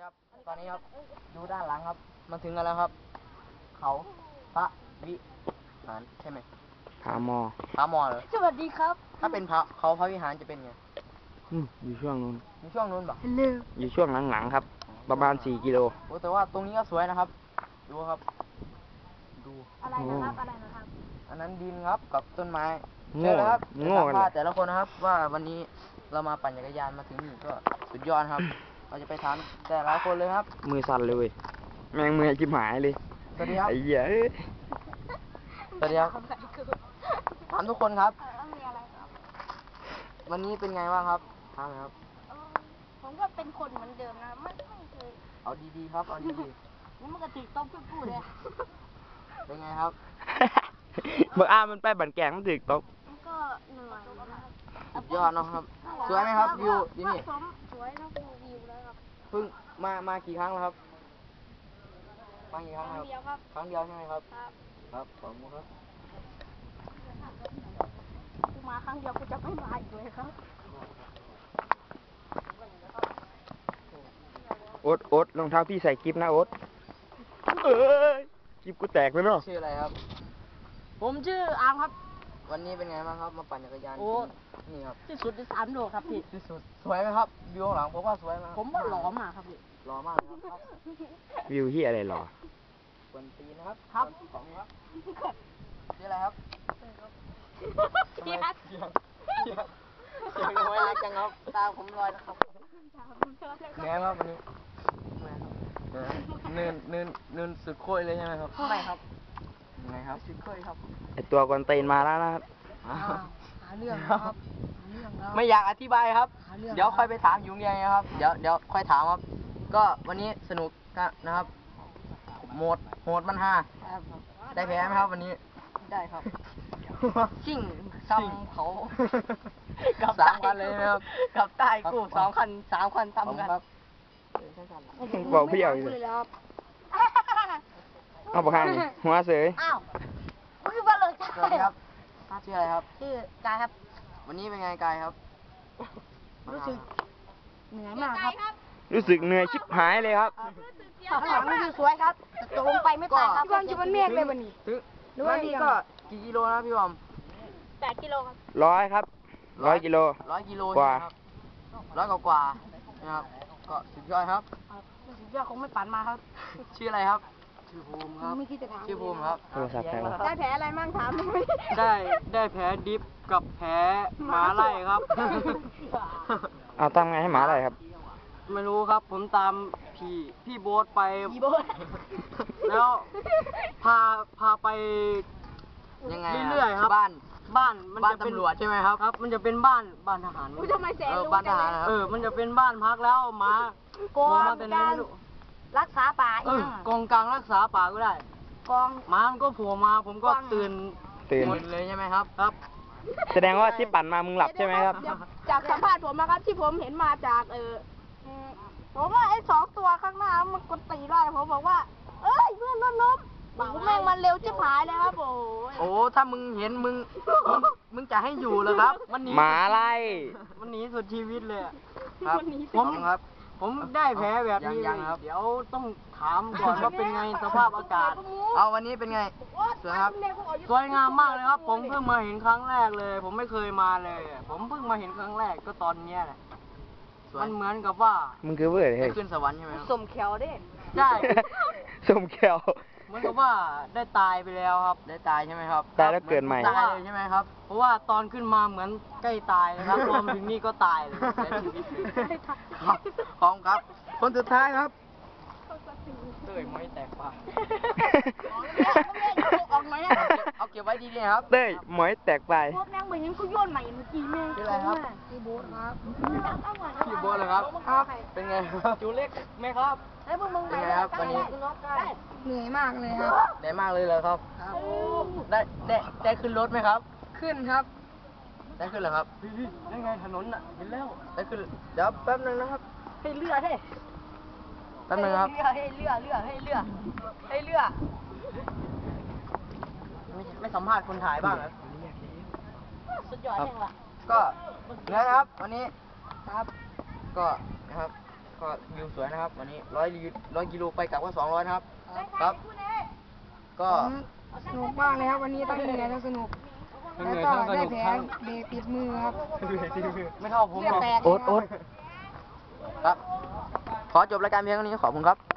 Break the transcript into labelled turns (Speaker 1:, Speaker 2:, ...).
Speaker 1: ครับตอนนี้ครับดูด้านหลังครับมาถึงกันแล้วครับเขาพระวิหารใช่ไหม
Speaker 2: ผาหมอ
Speaker 1: เหรอ
Speaker 3: สวัสดีครับ
Speaker 1: ถ้าเป็นเขาพระวิหารจะเป็นไง
Speaker 2: อยู่ช่วงนู้น
Speaker 1: ป่ะ
Speaker 2: อยู่ช่วงหลังๆครับ ประมาณ4 กิโล
Speaker 1: โอ้แต่ว่าตรงนี้ก็สวยนะครับดูครับดู
Speaker 3: อะไรนะครับ
Speaker 1: อันนั้นดินครับกับต้นไม้
Speaker 2: โง่
Speaker 1: ครับ
Speaker 2: โง่กันเลย
Speaker 1: แต่ละคนนะครับว่าวันนี้เรามาปั่นจักรยานมาถึงนี่ก็สุดยอดครับเราจะไปถามแต่ละคนเลยครับ
Speaker 2: มือสั่นเลยเว้ยแมงมือจิ้มหายเลย
Speaker 1: สวัสดีครับ
Speaker 2: ไอ้เหี้ย
Speaker 1: สวัสดีครับถามทุกคนครับวันนี้เป็นไงบ้างครับถามครับ
Speaker 3: ผมก็เป็นคนเหมือนเดิมนะไม่เคย
Speaker 1: เอาดีๆครับเอาดี
Speaker 3: นี่มันก็ติดต้องพูดเลย
Speaker 1: ๆเป็นไงครับ
Speaker 2: เมื่อมันไปบันแกงมันถึกตก
Speaker 3: มันก็เหนื่อย
Speaker 1: สุดยอดนะครับสวยไหมครับวิวที่นี่
Speaker 3: สวยนะวิวแล้วครับ
Speaker 1: เพิ่งมากี่ครั้งแล้วครับมากี่ครั้งครับครั้งเดียวใช่ไหมครับครับขอบคุณครับ
Speaker 3: กูมาครั้งเดียวกูจะไม่มาอีกเลยครับ
Speaker 2: โอ๊ตรองเท้าพี่ใส่กิ๊บนะโอ๊ตเอ้ยกิ๊บกูแตกเลยเนาะ
Speaker 1: ชื่ออะไรครับ
Speaker 3: ผมชื่ออาร์มครับ
Speaker 1: วันนี้เป็นไงบ้างครับมาปั่นจักรยานนี่ครับ
Speaker 3: ที่สุดใน3 โลครับพี่
Speaker 1: ที่สุดสวยไหมครับวิวข้างหลังผมว่าสวยมาก
Speaker 3: ผมว่าหล่อมากครับพี่
Speaker 1: หล่อมากครับ
Speaker 2: วิวที่อะไรหรอ
Speaker 1: ควนตีนะครับครับของครับชื่ออะไรครับเสียงน้อยเล็กจังครับตาผมลอยนะครับแง่ครับวันนี้เนินสุดโค้ยเลยใช่ไหมครับ
Speaker 3: ไม่ครับ
Speaker 1: ไงครับสุดโค้ยครับ
Speaker 2: ไอตัวกวนตีนมาแล้วนะครับ
Speaker 3: หาเรื่องครับ
Speaker 1: ไม่อยากอธิบายครับเดี๋ยวค่อยไปถามยุงเรียนนะครับเดี๋ยวค่อยถามครับก็วันนี้สนุกนะครับโหมดมัน5ได้แพ้ไหมครับวันนี้
Speaker 3: ได้ครับชิ่ง
Speaker 1: ซ้ำเขากับ3 คันเลยนะครับ
Speaker 3: กับใต้กู2 คัน3 คันซ้ำกัน
Speaker 2: บอกพี่เอาเลยเอาปากกาหัวเสย
Speaker 3: อ้าวคือว่าเลย
Speaker 1: สวัสดีครับชื่ออะไรครับ
Speaker 3: ชื่อกายครับ
Speaker 1: วันนี้เป็นไงกายครับ
Speaker 3: รู้สึกเหนื่อยมากครับ
Speaker 2: รู้สึกเหนื่อยชิบหายเลยครับ
Speaker 3: ข้างหลังคือสวยครับตกลงไปไม่ตายครับพี่บอมจะเป็นเมฆเลยวันนี้
Speaker 1: วันนี้ก็กี่กิโลนะพี่บอม
Speaker 3: 8 กิโลครับ
Speaker 2: 100 ครับ100 กิโล
Speaker 1: 100 กิโลกว่า100 กว่านะครับก็สุดยอดครับ
Speaker 3: สุดยอดคงไม่ปั่นมาครับ
Speaker 1: ชื่ออะไรครับชื่อภูมิครับชื่อภูมิครับ
Speaker 3: ได้แผลอะไรมั่งถาม
Speaker 1: ได้แผลดิฟกับแผลหมาไล่ครับ
Speaker 2: เอาทำไงให้หมาไล่ครับ
Speaker 1: ไม่รู้ครับผมตามพี่โบ๊ทไปแล้วพาไปยังไงเรื่อยๆครับบ้านมันจะเป็นตำรวจใช่ไหมครับมันจะเป็นบ้านทหาร
Speaker 3: ทำไมแสนรู้
Speaker 1: บ้านทหารมันจะเป็นบ้านพักแล้วหมา
Speaker 3: โกงการรักษาป่า
Speaker 1: กองกลางรักษาป่าก็ได้
Speaker 3: กอง
Speaker 1: หมามันก็โผล่มาผมก็ตื่นหมดเลยใช่ไหมครับ
Speaker 2: แสดงว่าที่ปั่นมามึงหลับใช่ไหมครับ
Speaker 3: จากสัมภาษณ์ผมนะครับที่ผมเห็นมาจากผมว่าไอ้2 ตัวข้างหน้ามันกดตีได้ผมบอกว่าเอ้ยเพื่อนล้มแม่งมันเร็วจะหายเลยครับ
Speaker 1: โอ้ถ้ามึงเห็นมึงจะให้อยู่เหรอครับมันหนี
Speaker 2: หมาไล่
Speaker 1: มันหนีสุดชีวิตเลยครับผมได้แผลแบบนี้เดี๋ยวต้องถามก่อนว่าเป็นไงสภาพอากาศเอาวันนี้เป็นไงสวยครับสวยงามมากเลยครับผมเพิ่งมาเห็นครั้งแรกเลยผมไม่เคยมาเลยผมเพิ่งมาเห็นครั้งแรกก็ตอนเนี้ยแหละมันเหมือนกับว่า
Speaker 2: มึงคือเบื่อเลย
Speaker 1: ขึ้นสวรรค์ใช่ไหม
Speaker 3: สมเขียวเด้
Speaker 1: ใช่
Speaker 2: สมเขียว
Speaker 1: เหมือนกับว่าได้ตายไปแล้วครับได้ตายใช่ไหมครับ
Speaker 2: ตายแล้วเกิดใหม่
Speaker 1: ตายเลยใช่ไหมครับเพราะว่าตอนขึ้นมาเหมือนใกล้ตายนะครับรวมถึงนี่ก็ตายเลยเสียชีวิตเลยครับพร้อมครับคนสุดท้ายครับเต้ยไม่แตกปากเอาเก็บไว้ดีๆครับ
Speaker 2: เต้ยหมอยแตกไป
Speaker 3: โบ๊ทแม่งเหมือนยังกูโยนใหม่เมื่อกี้แม่
Speaker 1: ชื่ออะไรครับ
Speaker 3: พี่โบ๊ทครับ
Speaker 1: พี่โบ๊ทเลยครับเป็นไงครับจูเล็กไหมครับ
Speaker 3: แล้วพวกมึง
Speaker 1: เป็นไงครับวันนี้
Speaker 3: เหนื่อยมากเลยครับ
Speaker 1: ได้มากเลยเหรอครับได้ขึ้นรถไหมครับ
Speaker 3: ขึ้นครับ
Speaker 1: ได้ขึ้นเหรอครับได้ไงถนนน่ะเห็นแล้วได้ขึ้นเดี๋ยวแป๊บนึงนะครับ
Speaker 3: ให้เรือให้
Speaker 1: แป๊บนึงครับ
Speaker 3: ให้เรือ
Speaker 1: ไม่สัมภาษณ์คนถ่ายบ้างเหรอ
Speaker 3: สุดยอดยังวะ
Speaker 1: ก็นะครับวันนี้ครับก็นะครับก็วิวสวยนะครับ วันนี้100กิโลไปกลับก็200นะครับ ครับ ก็
Speaker 3: สนุกมากเลยครับวันนี้ทั้งเหนื่อยทั้งสนุกแล้วก็ได้แผลเบรกติดมือครับ
Speaker 1: ไม่เท่าผมหรอก
Speaker 3: เลือดแตก
Speaker 2: โอ๊ต
Speaker 1: ครับ ขอจบรายการเพียงเท่านี้ขอบคุณครับ